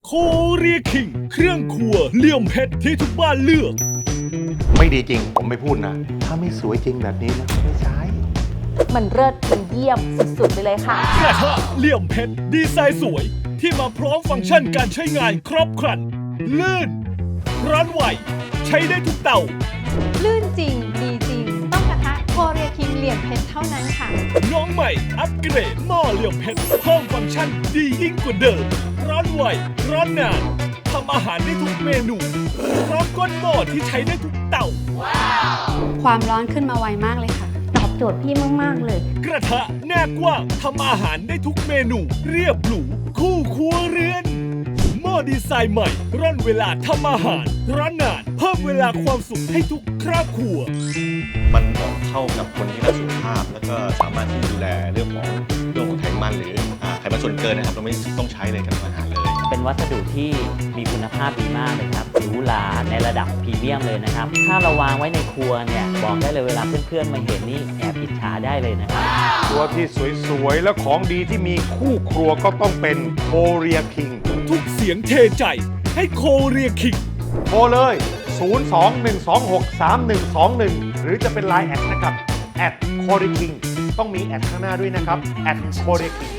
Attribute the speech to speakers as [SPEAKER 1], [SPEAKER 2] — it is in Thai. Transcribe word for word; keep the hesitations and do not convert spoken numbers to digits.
[SPEAKER 1] โคเรียคิงเครื่องครัวเหลี่ยมเพชรที่ทุกบ้านเลือก
[SPEAKER 2] ไม่ดีจริงผมไม่พูดนะ ถ้าไม่สวยจริงแบบนี้นะไม่ใช้
[SPEAKER 3] มันเลิศมันเยี่ยมสุดๆไปเลยค่ะ
[SPEAKER 1] กระทะเหลี่ยมเพชรดีไซน์สวยที่มาพร้อมฟังก์ชันการใช้งานครบครันลื่นร้อนไหวใช้ได้ทุกเตา
[SPEAKER 4] ลื่นจริงดีจริง ต้องกระทะโคเรียคิงเหลี่ยมเพชรเท่านั้นค่ะ
[SPEAKER 1] น้องใหม่อัปเกรดหม้อเหลี่ยมเพชรเพิ่มฟังก์ชันดียิ่งกว่าเดิมร้อนไหวร้อนนานทำอาหารได้ทุกเมนูพร้อมก้นหม้อที่ใช้ได้ทุกเตา
[SPEAKER 5] ความร้อนขึ้นมาไวมากเลยค่ะ
[SPEAKER 3] ตอบโจทย์พี่มากๆเลย
[SPEAKER 1] กระทะหน้ากว้างทำอาหารได้ทุกเมนู เรียบหรูคู่ครัวเรือนหม้อดีไซน์ใหม่ร่อนเวลาทำอาหารร้อนนานเพิ่มเวลาความสุขให้ทุกครอบครัว
[SPEAKER 6] มันเหมาะเข้ากับคนที่รักสุขภาพ แล้วก็สามารถที่ดูแลเรื่องของเรื่องของไขมันหรืออ่าไขมันส่วนเกินนะครับเราไม่ต้องใช้เลยกับอาหารเลย
[SPEAKER 7] เป็นวัสดุที่มีคุณภาพดีมากเลยครับหรูหราในระดับพรีเมียมเลยนะครับ ถ้าเราวางไว้ในครัวเนี่ยบอกได้เลยเวลาเพื่อนๆมาเห็นนี่แอบอิจฉาได้เลยนะครับ
[SPEAKER 2] ตัวที่สวยๆ และของดีที่มีคู่ครัวก็ต้องเป็นโคเรียคิง
[SPEAKER 1] ทุกเสียงเทใจให้โคเรียคิง
[SPEAKER 2] โทรเลย ศูนย์ สอง หนึ่ง สอง หก สาม หนึ่ง สอง หนึ่ง หรือจะเป็น ไลน์ แอดนะครับแอดโคเรียคิงต้องมีแอดข้างหน้าด้วยนะครับแอดโคเรียคิง